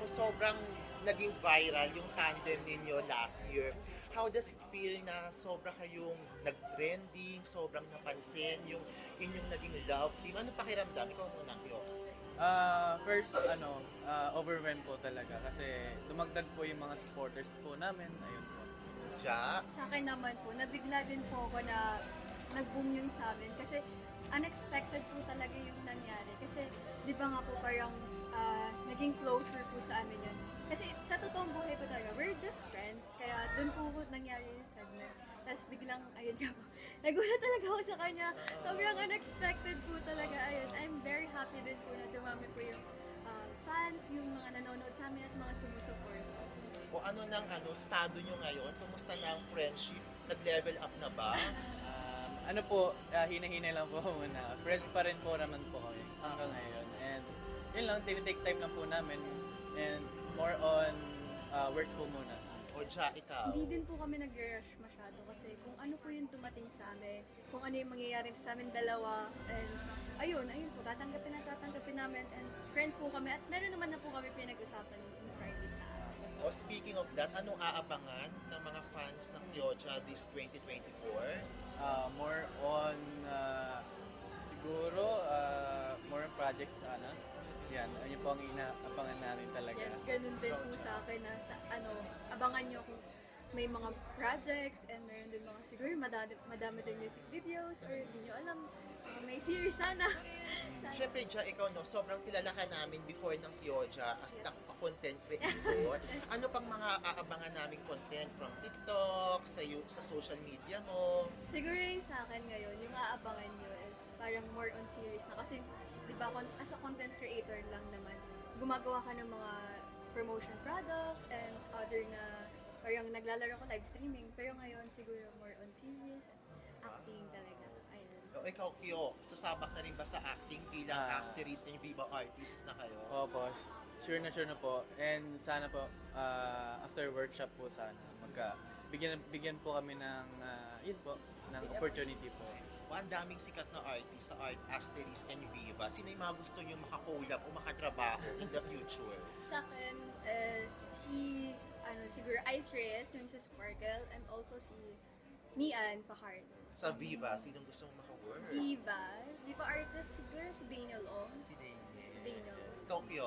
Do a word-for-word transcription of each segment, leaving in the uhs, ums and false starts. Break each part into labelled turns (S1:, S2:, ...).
S1: ko sobrang naging viral yung tandem ninyo last year. How does it feel na sobra kayong nag-trending, sobrang napansin yung inyong naging love team? Ano pakiramdam? Ikaw muna, Kyo.
S2: Ah, first ano, ah, overwhelmed po talaga kasi dumagdag po yung mga supporters po namin. Ayun po.
S1: Ja?
S3: Sa akin naman po, nabigla din po ako na nag-boom yung sa amin kasi unexpected po talaga yung nangyari. Kasi di ba nga po parang ah, naging closure po sa amin yun. Kasi sa totoong buhay po talaga, we're just friends. Kaya doon po po nangyari yung segment. Tapos biglang, ayun nga po, nagulat talaga ako sa kanya. Sobrang unexpected po talaga. Ayun, I'm very happy din po na dumami po yung ah, fans, yung mga nanonood sa amin at mga sumusuport.
S1: O ano nang ano, estado nyo ngayon? Kumusta na ang friendship? Nag-level up na ba?
S2: Um, ano po, ah, hina-hina lang po muna. Friends pa rin po naman po kami hanggang ngayon. And yun lang, tinitake time lang po namin. And more on ah, work po muna.
S1: O Ja, ikaw?
S3: Hindi din po kami nag-rush masyado kasi kung ano po yung tumating sa amin, kung ano yung mangyayari sa amin dalawa, and ayun, ayun po, tatanggapin na tatanggapin namin, and friends po kami, at meron naman na po kami pinag-usapan in private sa amin.
S1: O speaking of that, anong aabangan ng mga fans ng Kyoja this twenty twenty-four?
S2: Ah, more on ah, siguro ah, more on projects ano. Yan, yun po ang inaabangan namin talaga.
S3: Yes, ganun din po sa akin na sa, ano, abangan nyo kung may mga projects, and meron din mga siguro madami, madami din music videos, or hindi nyo alam, uh, may series sana. sana.
S1: Siyempre, Ja, ikaw no, sobrang kilala ka namin before ng Kyoja as a content creator. Ano pang mga aabangan naming content from TikTok, sa, you- sa social media mo?
S3: Siguro yung sa akin ngayon, yung aabangan nyo is parang more on series na. Kasi, di ba, kon- as a content creator lang naman, gumagawa ka ng mga promotion product and other na parang naglalaro ko live streaming. Pero ngayon, siguro more on series, acting talaga. Ayun.
S1: O ikaw, Kyo, sasabak na rin ba sa acting bilang
S2: Ah.
S1: Asteris and Viva artist na kayo?
S2: Opo, sure na sure na po. And sana po, ah, after workshop po sana, magka, bigyan, bigyan po kami ng, ah, yun po, ng opportunity po.
S1: O, ang daming sikat na artist sa Art Asteris and Viva. Sino yung mga gusto nyo makakolab o makatrabaho in the future?
S3: Sa akin is si, ano, siguro Ice Reyes, yung sa Sparkle, and also si Mian Fajardo.
S1: Sa Viva, sinong gusto mong makawork?
S3: Diva, Diva artist siguro si Daniel Ong.
S1: Si Daniel.
S3: Si Daniel.
S1: Ikaw, Kyo.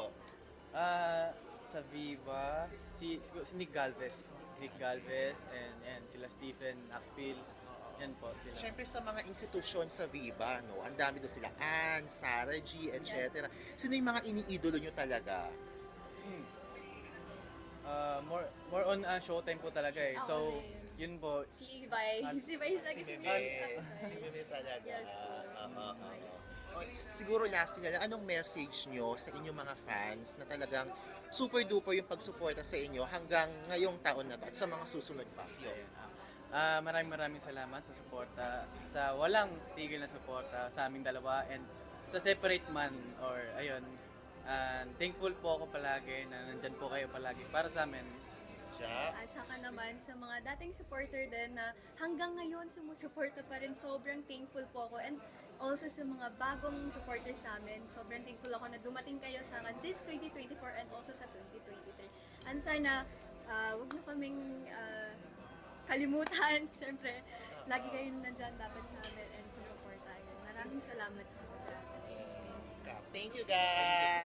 S2: Ah, sa Viva, si, si Nick Galvez. Nick Galvez and, and sila Stephen Akpil. Yan po sila.
S1: Siyempre sa mga institusyon sa Viva, no, ang dami doon sila, Ann, Sarah G, et cetera. Sino yung mga iniidolo nyo talaga?
S2: Hmm. Ah, more more on ah, showtime po talaga eh.
S3: Ako
S2: So,
S3: din.
S2: yun po.
S3: Si Ibay. Si Ibay sa
S1: Si
S3: si
S1: Meme. Si Meme talaga.
S3: Yes po.
S1: Ah, ah, ah, ah. O, siguro last nila, anong message nyo sa inyong mga fans na talagang super duper yung pagsuporta sa inyo hanggang ngayong taon na to at sa mga susunod pa? Yun.
S2: Ayun, ah. Ah, maraming maraming salamat sa suporta, sa walang tigil na suporta sa aming dalawa and sa separate man or ayun. And thankful po ako palagi na nandyan po kayo palagi para sa amin.
S1: Siya?
S3: At saka naman sa mga dating supporter din na hanggang ngayon sumusuporta pa rin, sobrang thankful po ako. And also sa mga bagong supporter sa amin, sobrang thankful ako na dumating kayo sa akin this twenty twenty-four and also sa twenty twenty-three. And sana, uh, wag niyo kaming ah, kalimutan. Siyempre, lagi kayong nandyan dapat sa amin and sumuporta. Maraming salamat sa mga.
S1: Thank you, guys!